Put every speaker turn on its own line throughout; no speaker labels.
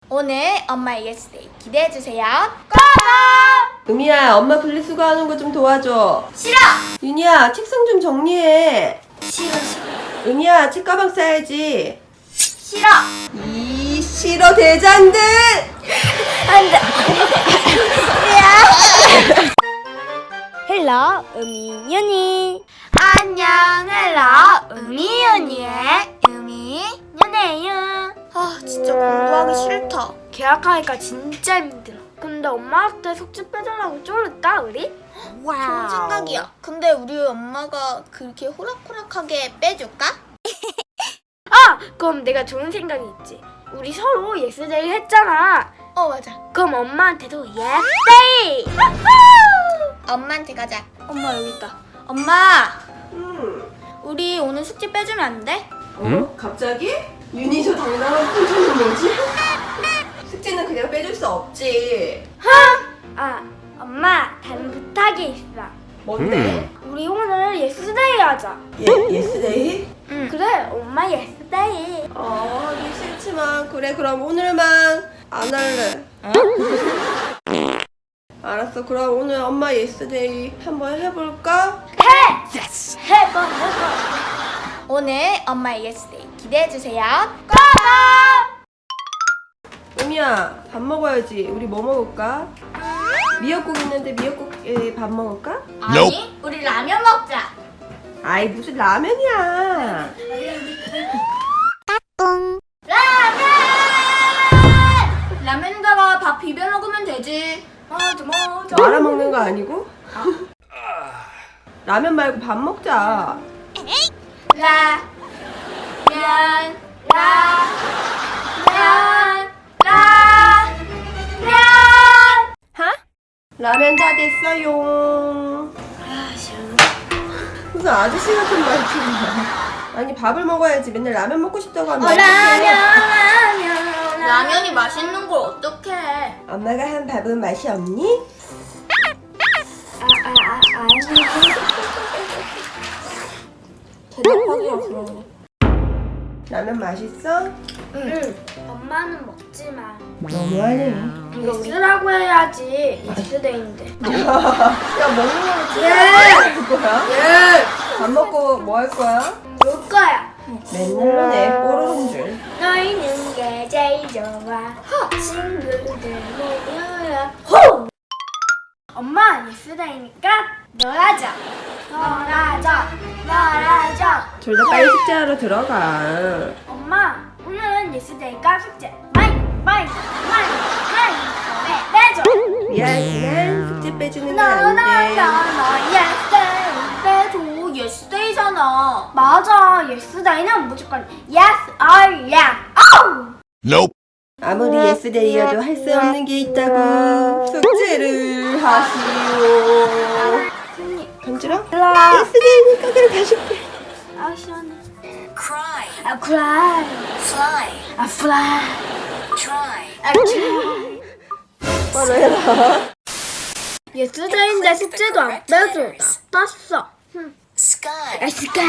오늘 엄마의 예스데이 기대해주세요. 고고!
은미야, 엄마 분리수거하는 거 좀 도와줘.
싫어!
윤희야, 책상 좀 정리해.
싫어.
은미야, 책가방 싸야지.
싫어!
이 싫어 대장들!
안 돼! 헬로, 음이윤이. 안녕, 헬로, 음이윤이의 음이윤이에요. 아, 진짜 공부하기 싫다. 계약하니까 진짜 힘들어. 근데 엄마한테 숙제 빼달라고 쫄을까, 우리?
좋은 생각이야. 근데 우리 엄마가 그렇게 호락호락하게 빼줄까?
아! 그럼 내가 좋은 생각이 있지. 우리 서로 예스데이 했잖아.
맞아.
그럼 엄마한테도 예스데이!
엄마한테 가자.
엄마 여기 있다. 엄마!
응.
우리 오늘 숙제 빼주면 안 돼?
갑자기? 윤희 저 당당한 표정이 뭐지? 숙제는 그냥 빼줄 수 없지.
아, 엄마, 다른 부탁이 있어.
뭔데?
우리 오늘 예스데이 하자.
예스데이?
응. 그래, 엄마 예스데이.
하기 싫지만 그래, 그럼 오늘만 안 할래. 알았어, 그럼 오늘 엄마 예스데이 한번 해볼까?
해봐. 오늘 엄마의 예스데이 기대해주세요. 고고!
은미야, 밥 먹어야지. 우리 뭐 먹을까? 미역국 있는데 미역국에 밥 먹을까?
아니, 우리 라면 먹자.
아이, 무슨 라면이야.
라면에다가 밥 비벼 먹으면 되지. 맞아.
말아 먹는 거 아니고? 라면 말고 밥 먹자. 라면 다 됐어요. 무슨 아저씨 같은 말투야. 아니, 밥을 먹어야지. 맨날 라면 먹고 싶다고 하면 어떡해.
라면이 맛있는 걸 어떡해.
엄마가 한 밥은 맛이 없니?
대답하기가 그러네.
라면 맛있어?
응. 엄마는 먹지만
너무하네.
이거 쓰라고 해야지. 예스데이인데.
야, 먹는 걸로
예.
줄 거야? 밥 먹고 뭐 할 거야?
놀 거야.
맨날 내 뽀로로인 줄.
너희는 게 제일 좋아. 친구들 모여라. 호! 엄마 예스데이니까 놀아줘.
둘 다 빨리 숙제하러 들어가.
엄마 오늘은 예스데이니까 숙제 많이 빼줘.
미안하지만 숙제 빼주는 건 아닌데.
예스데이 빼줘. 예스데이잖아. 맞아. 예스데이는 무조건 yes or yeah.
Nope.
아무리 예스데이여도 할 수 없는 게 있다고. 숙제를 하시오. 간지러? 예스데이니까 그래 가실게.
아 시원해.
Cry,
아 cry.
fly,
아 fly.
try.
아 try.
바로 해라.
예스데이인데 숙제도 안 빼줘. 나빴어.
Sky,
아 스카.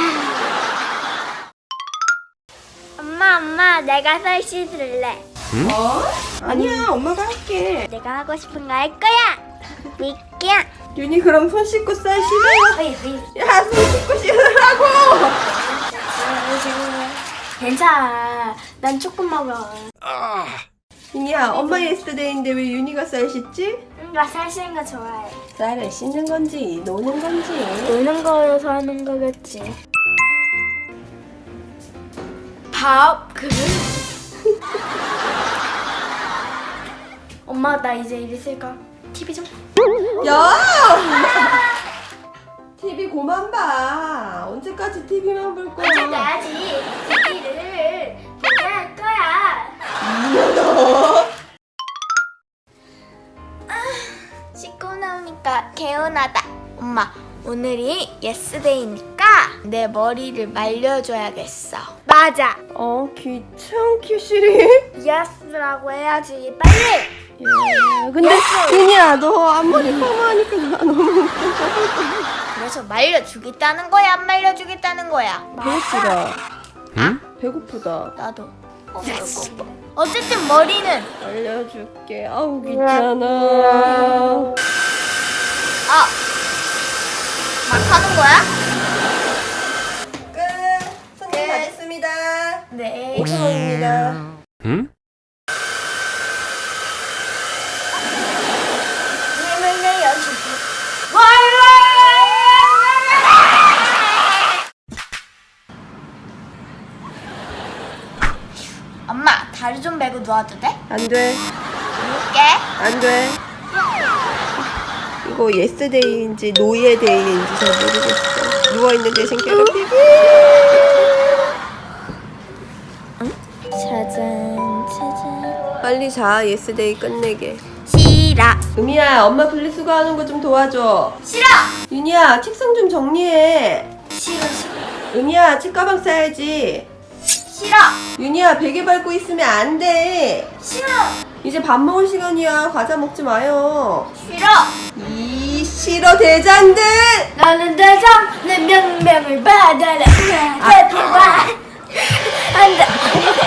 엄마 내가 설시 들래.
아니야, 엄마가 할게.
내가 하고 싶은 거 할 거야. 미끼야.
윤희, 그럼 손 씻고 쌀 씻어요. 야, 손 씻고 씻으라고.
괜찮아. 난 조금 먹어.
윤희야, 엄마 예스데이인데 왜 윤희가 쌀 씻지?
나 살찌는 거 좋아해.
쌀을 씻는 건지 노는 건지.
노는 거여서 하는 거겠지. 밥 그릇. 엄마 나 이제 일 있을까? TV 좀.
야! TV 고만 봐. 언제까지 TV만 볼 거야?
어쩌다지 TV를 보게 할 거야. 씻고 나오니까 개운하다. 엄마 오늘이 예스데이니까 내 머리를 말려줘야겠어. 맞아.
귀찮기 싫이.
예스라고 해야지 빨리.
근데 윤희야, 너 앞머리 파마하니까 나 너무
그래서 말려주겠다는 거야, 안 말려주겠다는 거야?
배고프다. 배고프다.
나도. 배고파. 어쨌든 머리는
알려줄게. 아우 귀찮아.
막 하는 거야?
끝. 손님 다 됐습니다.
네.
5,000원입니다.
힘을 내어주고. 엄마, 다리 좀 베고 누워도 돼?
안 돼.
누울게.
안 돼. 이거 예스데이인지 노예데이인지 잘 모르겠어. 누워있는 대신 괴롭히기.
짜잔, 짜잔.
빨리 자. 예스데이 끝내게.
싫어.
음이야, 엄마 분리수거하는 거 좀 도와줘.
싫어.
윤이야, 책상 좀 정리해.
싫어, 싫어.
음이야, 책가방 싸야지.
싫어.
윤이야, 베개 밟고 있으면 안 돼.
싫어.
이제 밥 먹을 시간이야. 과자 먹지 마요.
싫어.
이 싫어 대장들.
나는 대장 내 명명을 받아라. 대박. 안돼.